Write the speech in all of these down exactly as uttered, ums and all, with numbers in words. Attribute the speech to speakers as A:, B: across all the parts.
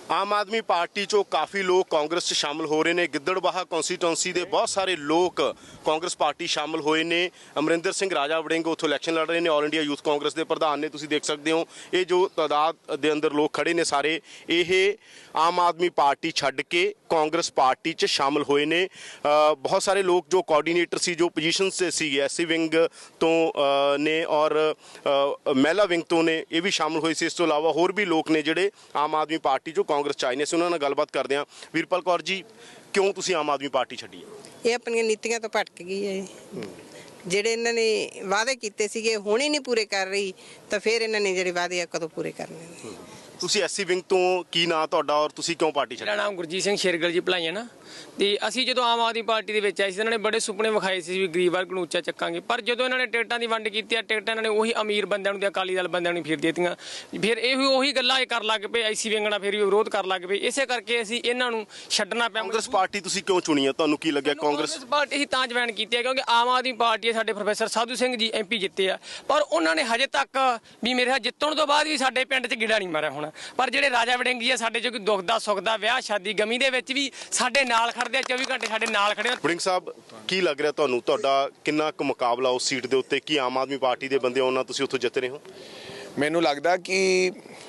A: आम आदमी पार्टी चो काफ़ी लोग कांग्रेस च शामिल हो रहे हैं। गिद्दड़बाहा कॉन्स्टिट्यूंसी के बहुत सारे लोग कांग्रेस पार्टी शामिल होए ने। अमरिंदर सिंह राजा वड़िंग उत्थों इलैक्शन लड़ रहे हैं। ऑल इंडिया यूथ कांग्रेस के प्रधान ने, तुसीं देख सकते हो। ये जो तादाद के अंदर लोग खड़े ने सारे, ये आम आदमी पार्टी छड्ड के कांग्रेस पार्टी च शामिल होए ने। बहुत सारे लोग जो कोआर्डीनेटर सी, जो पोजीशन से सी, एस सी विंग तो ने और महिला विंग तो ने, ये भी शामिल हुए सी। इस तो इलावा होर भी लोग ने जिहड़े आम आदमी पार्टी चो कांग्रेस च आए ने। ਅਸੀਂ ਉਹਨਾਂ ਨਾਲ ਗੱਲਬਾਤ ਕਰਦੇ ਹਾਂ। ਵੀਰਪਾਲ ਕੌਰ ਜੀ, ਕਿਉਂ ਤੁਸੀਂ ਆਮ ਆਦਮੀ ਪਾਰਟੀ ਛੱਡੀ ਹੈ?
B: ਇਹ ਆਪਣੀਆਂ ਨੀਤੀਆਂ ਤੋਂ ਭਟਕ ਗਈ ਹੈ। ਜਿਹੜੇ ਇਹਨਾਂ ਨੇ ਵਾਅਦੇ ਕੀਤੇ ਸੀਗੇ ਹੁਣ ਹੀ ਨਹੀਂ ਪੂਰੇ ਕਰ ਰਹੀ, ਤਾਂ ਫਿਰ ਇਹਨਾਂ ਨੇ ਜਿਹੜੇ ਵਾਅਦੇ ਆ ਕਦੋਂ ਪੂਰੇ ਕਰਨੇ ਨੇ।
A: ਤੁਸੀਂ ਐਸਸੀ ਵਿੰਗ ਤੋਂ, ਕੀ ਨਾਂ ਤੁਹਾਡਾ ਔਰ ਤੁਸੀਂ ਕਿਉਂ ਪਾਰਟੀ ਛੱਡੀ?
C: ਮੇਰਾ ਨਾਮ ਗੁਰਜੀਤ ਸਿੰਘ ਸ਼ੇਰਗਲ ਜੀ ਭਲਾਈਆਂ ਨਾ। ਤੇ ਅਸੀਂ ਜਦੋਂ ਆਮ ਆਦਮੀ ਪਾਰਟੀ ਦੇ ਵਿੱਚ ਆਏ ਸੀ, ਇਹਨਾਂ ਨੇ ਬੜੇ ਸੁਪਨੇ ਵਿਖਾਏ ਸੀ ਵੀ ਗਰੀਬ ਵਰਗ ਨੂੰ ਉੱਚਾ ਚੱਕਾਂਗੇ। ਪਰ ਜਦੋਂ ਇਹਨਾਂ ਨੇ ਟਿਕਟਾਂ ਦੀ ਵੰਡ ਕੀਤੀ ਆ, ਟਿਕਟਾਂ ਇਹਨਾਂ ਨੇ ਉਹੀ ਅਮੀਰ ਬੰਦਿਆਂ ਨੂੰ ਤੇ ਅਕਾਲੀ ਦਲ ਬੰਦਿਆਂ ਨੂੰ ਫਿਰ ਦੇ ਦਿੱਤੀਆਂ। ਫਿਰ ਇਹ ਉਹੀ ਗੱਲਾਂ ਇਹ ਕਰ ਲੱਗ ਪਏ, ਐਸੀ ਵਿੰਗ ਨਾਲ ਫਿਰ ਵੀ ਵਿਰੋਧ ਕਰ ਲੱਗ ਪਏ। ਇਸੇ ਕਰਕੇ ਅਸੀਂ ਇਹਨਾਂ ਨੂੰ ਛੱਡਣਾ ਪਿਆ।
A: ਕਾਂਗਰਸ ਪਾਰਟੀ ਤੁਸੀਂ ਕਿਉਂ ਚੁਣੀ ਹੈ? ਤੁਹਾਨੂੰ ਕੀ ਲੱਗਿਆ ਕਾਂਗਰਸ
C: ਪਾਰਟੀ ਹੀ ਤਾਂ ਜੁਆਇਨ ਕੀਤੀ ਹੈ ਕਿਉਂਕਿ ਆਮ ਆਦਮੀ ਪਾਰਟੀ ਸਾਡੇ ਪ੍ਰੋਫੈਸਰ ਸਾਧੂ ਸਿੰਘ ਜੀ ਐਮਪੀ ਜਿੱਤੇ ਆ, ਪਰ ਉਹਨਾਂ ਨੇ ਹਜੇ ਤੱਕ ਵੀ ਮੇਰੇ ਜਿੱਤਣ ਤੋਂ ਬਾਅਦ ਵੀ ਸਾਡੇ ਪਿੰਡ 'ਚ ਗਿੜਾ ਨਹੀਂ ਮਾਰਿਆ ਹੋਣਾ। ਪਰ ਜਿਹੜੇ ਰਾਜਾ ਵੜਿੰਗ ਜੀ ਆ, ਸਾਡੇ ਜੋ ਕੋਈ ਦੁੱਖ ਦਾ ਸੁੱਖ ਦਾ, ਵਿਆਹ ਸ਼ਾਦੀ ਗਮੀ ਦੇ ਵਿੱਚ ਵੀ ਸਾਡੇ ਨਾਲ ਖੜਦੇ ਆ, ਚੌਵੀ ਘੰਟੇ ਸਾਡੇ ਨਾਲ ਖੜੇ ਆ।
A: ਵੜਿੰਗ ਸਾਹਿਬ, ਕੀ ਲੱਗ ਰਿਹਾ ਤੁਹਾਨੂੰ, ਤੁਹਾਡਾ ਕਿੰਨਾ ਕੁ ਮੁਕਾਬਲਾ ਉਸ ਸੀਟ ਦੇ ਉੱਤੇ? ਕੀ ਆਮ ਆਦਮੀ ਪਾਰਟੀ ਦੇ ਬੰਦੇ ਉਹਨਾਂ ਤੁਸੀਂ ਉੱਥੋਂ ਜਿੱਤ ਰਹੇ ਹੋ?
D: ਮੈਨੂੰ ਲੱਗਦਾ ਕਿ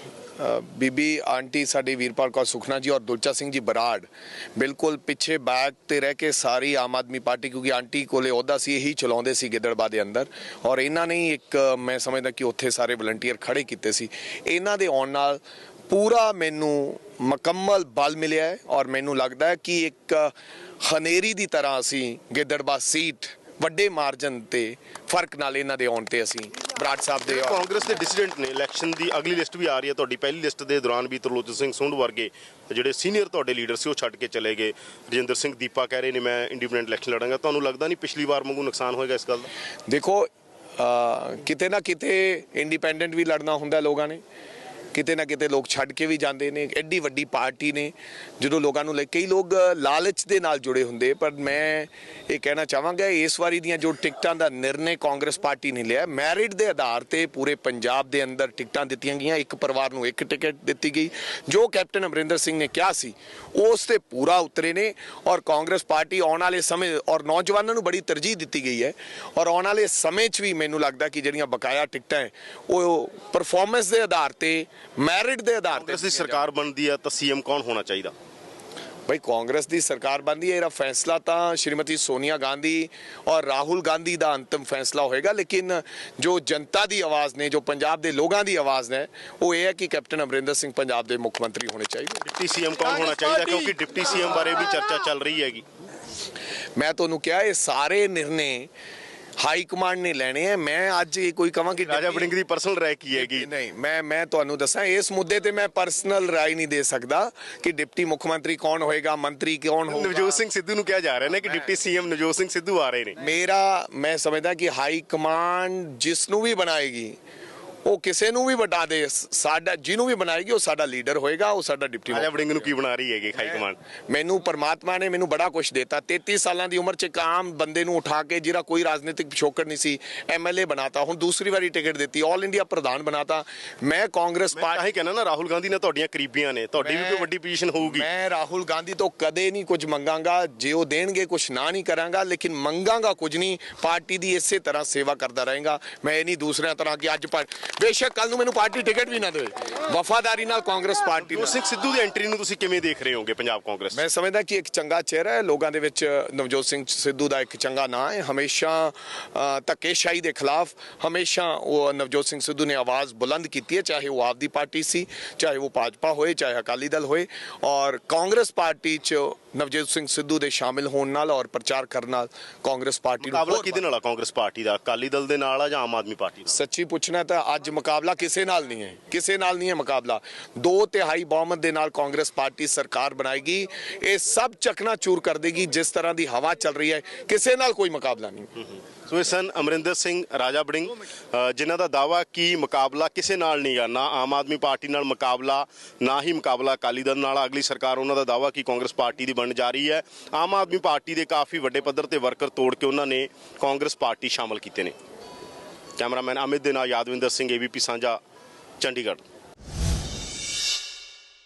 D: ਬੀਬੀ ਆਂਟੀ ਸਾਡੀ ਵੀਰਪਾਲ ਕੌਰ ਸੁਖਨਾ ਜੀ ਔਰ ਦੁਲਚਾ ਸਿੰਘ ਜੀ ਬਰਾੜ ਬਿਲਕੁਲ ਪਿੱਛੇ ਬੈਕ ਤੇ ਰਹਿ ਕੇ ਸਾਰੀ ਆਮ ਆਦਮੀ ਪਾਰਟੀ, ਕਿਉਂਕਿ ਆਂਟੀ ਕੋਲੇ ਅਹੁਦਾ ਸੀ, ਇਹੀ ਚਲਾਉਂਦੇ ਸੀ ਗਿੱਦੜਬਾਹਾ ਦੇ ਅੰਦਰ। ਔਰ ਇਹਨਾਂ ਨੇ ਇੱਕ, ਮੈਂ ਸਮਝਦਾ ਕਿ ਉੱਥੇ ਸਾਰੇ ਵਲੰਟੀਅਰ ਖੜੇ ਕੀਤੇ ਸੀ। ਇਹਨਾਂ ਦੇ ਆਉਣ ਨਾਲ ਪੂਰਾ ਮੈਨੂੰ ਮੁਕੰਮਲ ਬਲ ਮਿਲਿਆ ਹੈ ਔਰ ਮੈਨੂੰ ਲੱਗਦਾ ਹੈ ਕਿ ਇੱਕ ਹਨੇਰੀ ਦੀ ਤਰ੍ਹਾਂ ਅਸੀਂ ਗਿੱਦੜਬਾਹਾ ਸੀਟ ਵੱਡੇ ਮਾਰਜਨ ਤੇ ਫਰਕ ਨਾਲ ਇਹਨਾਂ ਦੇ ਆਉਣ ਤੇ ਅਸੀਂ ਬਰਾੜ ਸਾਹਿਬ ਦੇ।
A: ਕਾਂਗਰਸ ਦੇ ਡਿਸੀਡੈਂਟ ਨੇ ਇਲੈਕਸ਼ਨ ਦੀ ਅਗਲੀ ਲਿਸਟ ਵੀ ਆ ਰਹੀ ਹੈ। ਤੁਹਾਡੀ ਪਹਿਲੀ ਲਿਸਟ ਦੇ ਦੌਰਾਨ ਵੀ ਤਰਲੋਚਨ ਸਿੰਘ ਸੁੰਡ ਵਰਗੇ ਜਿਹੜੇ ਸੀਨੀਅਰ ਤੁਹਾਡੇ ਲੀਡਰ ਸੀ ਉਹ ਛੱਡ ਕੇ ਚਲੇ ਗਏ। ਰਜਿੰਦਰ ਸਿੰਘ ਦੀਪਾ ਕਹਿ ਰਹੇ ਨੇ ਮੈਂ ਇੰਡੀਪੈਂਡੈਂਟ ਇਲੈਕਸ਼ਨ ਲੜਾਂਗਾ। ਤੁਹਾਨੂੰ ਲੱਗਦਾ ਨਹੀਂ ਪਿਛਲੀ ਵਾਰ ਵਾਂਗੂ ਨੁਕਸਾਨ ਹੋਏਗਾ ਇਸ ਗੱਲ ਦਾ?
D: ਦੇਖੋ, ਕਿਤੇ ਨਾ ਕਿਤੇ ਇੰਡੀਪੈਂਡੈਂਟ ਵੀ ਲੜਨਾ ਹੁੰਦਾ ਲੋਕਾਂ ਨੇ, ਕਿਤੇ ਨਾ ਕਿਤੇ ਲੋਕ ਛੱਡ ਕੇ ਵੀ ਜਾਂਦੇ ਨੇ। ਐਡੀ ਵੱਡੀ ਪਾਰਟੀ ਨੇ, ਜਦੋਂ ਲੋਕਾਂ ਨੂੰ ਲੈ ਕਈ ਲੋਕ ਲਾਲਚ ਦੇ ਨਾਲ ਜੁੜੇ ਹੁੰਦੇ। ਪਰ ਮੈਂ ਇਹ ਕਹਿਣਾ ਚਾਹਾਂਗਾ, ਇਸ ਵਾਰੀ ਦੀਆਂ ਜੋ ਟਿਕਟਾਂ ਦਾ ਨਿਰਣੇ ਕਾਂਗਰਸ ਪਾਰਟੀ ਨੇ ਲਿਆ, ਮੈਰਿਟ ਦੇ ਆਧਾਰ ਤੇ ਪੂਰੇ ਪੰਜਾਬ ਦੇ ਅੰਦਰ ਟਿਕਟਾਂ ਦਿੱਤੀਆਂ ਗਈਆਂ। ਇੱਕ ਪਰਿਵਾਰ ਨੂੰ ਇੱਕ ਟਿਕਟ ਦਿੱਤੀ ਗਈ। ਜੋ ਕੈਪਟਨ ਅਮਰਿੰਦਰ ਸਿੰਘ ਨੇ ਕਿਹਾ ਸੀ ਉਸ ਤੇ ਪੂਰਾ ਉਤਰੇ ਨੇ। ਔਰ ਕਾਂਗਰਸ ਪਾਰਟੀ ਆਉਣ ਵਾਲੇ ਸਮੇਂ, ਔਰ ਨੌਜਵਾਨਾਂ ਨੂੰ ਬੜੀ ਤਰਜੀਹ ਦਿੱਤੀ ਗਈ ਹੈ। ਔਰ ਆਉਣ ਵਾਲੇ ਸਮੇਂ 'ਚ ਵੀ ਮੈਨੂੰ ਲੱਗਦਾ ਕਿ ਜਿਹੜੀਆਂ ਬਕਾਇਆ ਟਿਕਟਾਂ ਹੈ ਉਹ ਪਰਫਾਰਮੈਂਸ ਦੇ ਆਧਾਰ ਤੇ, ਮੈਰਿਟ ਦੇ ਆਧਾਰ ਤੇ।
A: ਕਾਂਗਰਸ ਦੀ ਸਰਕਾਰ ਬਣਦੀ ਹੈ ਤਾਂ ਸੀਐਮ ਕੌਣ ਹੋਣਾ ਚਾਹੀਦਾ?
D: ਭਾਈ ਕਾਂਗਰਸ ਦੀ ਸਰਕਾਰ ਬਣਦੀ ਹੈ, ਇਹਦਾ ਫੈਸਲਾ ਤਾਂ ਸ਼੍ਰੀਮਤੀ ਸੋਨੀਆ ਗਾਂਧੀ ਔਰ ਰਾਹੁਲ ਗਾਂਧੀ ਦਾ ਅੰਤਿਮ ਫੈਸਲਾ ਹੋਏਗਾ। ਲੇਕਿਨ ਜੋ ਜਨਤਾ ਦੀ ਆਵਾਜ਼ ਨੇ, ਜੋ ਪੰਜਾਬ ਦੇ ਲੋਕਾਂ ਦੀ ਆਵਾਜ਼ ਨੇ, ਉਹ ਇਹ ਹੈ ਕਿ ਕੈਪਟਨ ਅਮਰਿੰਦਰ ਸਿੰਘ ਪੰਜਾਬ ਦੇ ਮੁੱਖ ਮੰਤਰੀ ਹੋਣੇ ਚਾਹੀਦੇ।
A: ਡਿਪਟੀ ਸੀਐਮ ਕੌਣ ਹੋਣਾ ਚਾਹੀਦਾ? ਕਿਉਂਕਿ ਡਿਪਟੀ ਸੀਐਮ ਬਾਰੇ ਵੀ ਚਰਚਾ ਚੱਲ ਰਹੀ ਹੈਗੀ।
D: ਮੈਂ ਤੁਹਾਨੂੰ ਕਿਹਾ ਇਹ ਸਾਰੇ ਨਿਰਣੇ ਹਾਈ ਕਮਾਂਡ ਨੇ ਲੈਣੇ ਆ। ਮੈਂ ਅੱਜ ਇਹ ਕੋਈ ਕਹਾਂ ਕਿ
A: ਰਾਜਾ ਵੜਿੰਗ ਦੀ ਪਰਸਨਲ ਰਾਏ ਕੀ ਹੈਗੀ?
D: ਨਹੀਂ, ਮੈਂ ਮੈਂ ਤੁਹਾਨੂੰ ਦੱਸਾਂ, ਇਸ ਮੁੱਦੇ ਤੇ ਮੈਂ ਪਰਸਨਲ ਰਾਏ ਨਹੀਂ ਦੇ ਸਕਦਾ ਕਿ ਡਿਪਟੀ ਮੁੱਖ ਮੰਤਰੀ ਕੌਣ ਹੋਏਗਾ, ਮੰਤਰੀ ਕੌਣ ਹੋਏਗਾ।
A: ਨਵਜੋਤ ਸਿੰਘ ਸਿੱਧੂ ਨੂੰ ਕਿਹਾ ਜਾ ਰਿਹਾ ਨੇ ਕਿ ਡਿਪਟੀ ਸੀਐਮ ਨਵਜੋਤ ਸਿੰਘ ਸਿੱਧੂ ਆ ਰਹੇ ਨੇ।
D: ਮੇਰਾ ਮੈਂ ਸਮਝਦਾ ਕਿ ਹਾਈ ਕਮਾਂਡ ਜਿਸ ਨੂੰ ਵੀ ਬਣਾਏਗੀ ਉਹ ਕਿਸੇ ਨੂੰ ਵੀ ਵਟਾ ਦੇ, ਸਾਡਾ ਜਿਹਨੂੰ ਵੀ ਬਣਾਏਗੀ ਉਹ ਸਾਡਾ ਲੀਡਰ ਹੋਏਗਾ, ਉਹ ਸਾਡਾ ਡਿਪਟੀ।
A: ਰਾਜਾ ਵੜਿੰਗ ਨੂੰ ਕੀ ਬਣਾ ਰਹੀ ਹੈਗੀ ਹਾਈ ਕਮਾਂਡ?
D: ਮੈਨੂੰ ਪਰਮਾਤਮਾ ਨੇ ਮੈਨੂੰ ਬੜਾ ਕੁਝ ਦਿੱਤਾ। ਤੇਤੀ ਸਾਲਾਂ ਦੀ ਉਮਰ 'ਚ ਇੱਕ ਆਮ ਬੰਦੇ ਨੂੰ ਉਠਾ ਕੇ, ਜਿਹੜਾ ਕੋਈ ਰਾਜਨੀਤਿਕ ਪਿਛੋਕੜ ਨਹੀਂ ਸੀ, ਐਮਐਲਏ ਬਣਾਤਾ। ਹੁਣ ਦੂਸਰੀ ਵਾਰੀ ਟਿਕਟ ਦਿੱਤੀ, ਆਲ ਇੰਡੀਆ ਪ੍ਰਧਾਨ ਬਣਾਤਾ। ਮੈਂ ਕਾਂਗਰਸ ਪਾਰਟੀ
A: ਕਹਿੰਦਾ ਨਾ, ਰਾਹੁਲ ਗਾਂਧੀ ਨਾਲ ਤੁਹਾਡੀਆਂ ਕਰੀਬੀਆਂ ਨੇ, ਤੁਹਾਡੀ ਵੀ ਕੋਈ ਵੱਡੀ ਪੋਜੀਸ਼ਨ ਹੋਊਗੀ।
D: ਮੈਂ ਰਾਹੁਲ ਗਾਂਧੀ ਤੋਂ ਕਦੇ ਨਹੀਂ ਕੁਝ ਮੰਗਾਂਗਾ। ਜੇ ਉਹ ਦੇਣਗੇ ਕੁਝ ਨਾ ਨਹੀਂ ਕਰਾਂਗਾ, ਲੇਕਿਨ ਮੰਗਾਂਗਾ ਕੁਝ ਨਹੀਂ। ਪਾਰਟੀ ਦੀ ਇਸੇ ਤਰ੍ਹਾਂ ਸੇਵਾ ਕਰਦਾ ਰਹੇਗਾ। ਮੈਂ ਇਹ ਨਹੀਂ ਦੂਸਰਿਆਂ ਤਰ੍ਹਾਂ ਕਿ ਅੱਜ ਬੇਸ਼ੱਕ ਕੱਲ ਨੂੰ ਮੈਨੂੰ ਪਾਰਟੀ ਟਿਕਟ ਵੀ ਨਾ ਦੇਵੇ, ਵਫਾਦਾਰੀ ਨਾਲ ਕਾਂਗਰਸ ਪਾਰਟੀ।
A: ਨਵਜੋਤ ਸਿੰਘ ਸਿੱਧੂ ਦੀ ਐਂਟਰੀ ਨੂੰ ਤੁਸੀਂ ਕਿਵੇਂ ਦੇਖ ਰਹੇ ਹੋਗੇ ਪੰਜਾਬ ਕਾਂਗਰਸ?
D: ਮੈਂ ਸਮਝਦਾ ਕਿ ਇੱਕ ਚੰਗਾ ਚਿਹਰਾ ਹੈ ਲੋਕਾਂ ਦੇ ਵਿੱਚ। ਨਵਜੋਤ ਸਿੰਘ ਸਿੱਧੂ ਦਾ ਇੱਕ ਚੰਗਾ ਨਾਂ ਹੈ। ਹਮੇਸ਼ਾ ਧੱਕੇਸ਼ਾਹੀ ਦੇ ਖਿਲਾਫ ਹਮੇਸ਼ਾ ਉਹ ਨਵਜੋਤ ਸਿੰਘ ਸਿੱਧੂ ਨੇ ਆਵਾਜ਼ ਬੁਲੰਦ ਕੀਤੀ ਹੈ, ਚਾਹੇ ਉਹ ਆਪਦੀ ਪਾਰਟੀ ਸੀ, ਚਾਹੇ ਉਹ ਭਾਜਪਾ ਹੋਏ, ਚਾਹੇ ਅਕਾਲੀ ਦਲ ਹੋਏ। ਔਰ ਕਾਂਗਰਸ ਪਾਰਟੀ 'ਚ ਨਵਜੋਤ ਸਿੰਘ ਸਿੱਧੂ ਦੇ ਸ਼ਾਮਿਲ ਹੋਣ ਨਾਲ ਔਰ ਪ੍ਰਚਾਰ ਕਰਨ ਨਾਲ ਕਾਂਗਰਸ ਪਾਰਟੀ ਨੂੰ
A: ਮੁਕਾਬਲਾ ਕਿਹਦੇ ਨਾਲ ਆ? ਕਾਂਗਰਸ ਪਾਰਟੀ ਦਾ ਅਕਾਲੀ ਦਲ ਦੇ ਨਾਲ ਆ ਜਾਂ ਆਮ ਆਦਮੀ ਪਾਰਟੀ ਨਾਲ?
D: ਸੱਚੀ ਪੁੱਛਣਾ ਤਾਂ ਅੱਜ ਮੁਕਾਬਲਾ ਕਿਸੇ ਨਾਲ ਨਹੀਂ ਹੈ, ਕਿਸੇ ਨਾਲ ਨਹੀਂ ਹੈ ਮੁਕਾਬਲਾ। ਦੋ ਤਿਹਾਈ ਬਹੁਮਤ ਦੇ ਨਾਲ ਕਾਂਗਰਸ ਪਾਰਟੀ ਸਰਕਾਰ ਬਣਾਏਗੀ। ਇਹ ਸਭ ਚਕਨਾਚੂਰ ਕਰ ਦੇਗੀ ਜਿਸ ਤਰ੍ਹਾਂ ਦੀ ਹਵਾ ਚੱਲ ਰਹੀ ਹੈ। ਕਿਸੇ ਨਾਲ ਕੋਈ ਮੁਕਾਬਲਾ ਨਹੀਂ।
A: ਸੋ ਇਹ ਸਨ ਅਮਰਿੰਦਰ ਸਿੰਘ ਰਾਜਾ ਵੜਿੰਗ, ਜਿਨ੍ਹਾਂ ਦਾ ਦਾਵਾ ਕਿ ਮੁਕਾਬਲਾ ਕਿਸੇ ਨਾਲ ਨਹੀਂ ਗਾ, ਨਾ ਆਮ ਆਦਮੀ ਪਾਰਟੀ ਨਾਲ ਮੁਕਾਬਲਾ, ਨਾ ਹੀ ਮੁਕਾਬਲਾ ਅਕਾਲੀ ਦਲ ਨਾਲ। ਅਗਲੀ ਸਰਕਾਰ ਉਹਨਾਂ ਦਾ ਦਾਵਾ ਕਿ ਕਾਂਗਰਸ ਪਾਰਟੀ ਦੀ ਬਣਨ ਜਾ ਰਹੀ ਹੈ। ਆਮ ਆਦਮੀ ਪਾਰਟੀ ਦੇ ਕਾਫੀ ਵੱਡੇ ਪੱਧਰ ਤੇ ਵਰਕਰ ਤੋੜ ਕੇ ਉਹਨਾਂ ਨੇ ਕਾਂਗਰਸ ਪਾਰਟੀ ਸ਼ਾਮਲ ਕੀਤੇ ਨੇ। ਕੈਮਰਾਮੈਨ ਅਮਿਤ ਦੇ ਨਾਲ ਯਾਦਵਿੰਦਰ ਸਿੰਘ, ਏਬੀਪੀ ਸਾਂਝਾ, ਚੰਡੀਗੜ੍ਹ।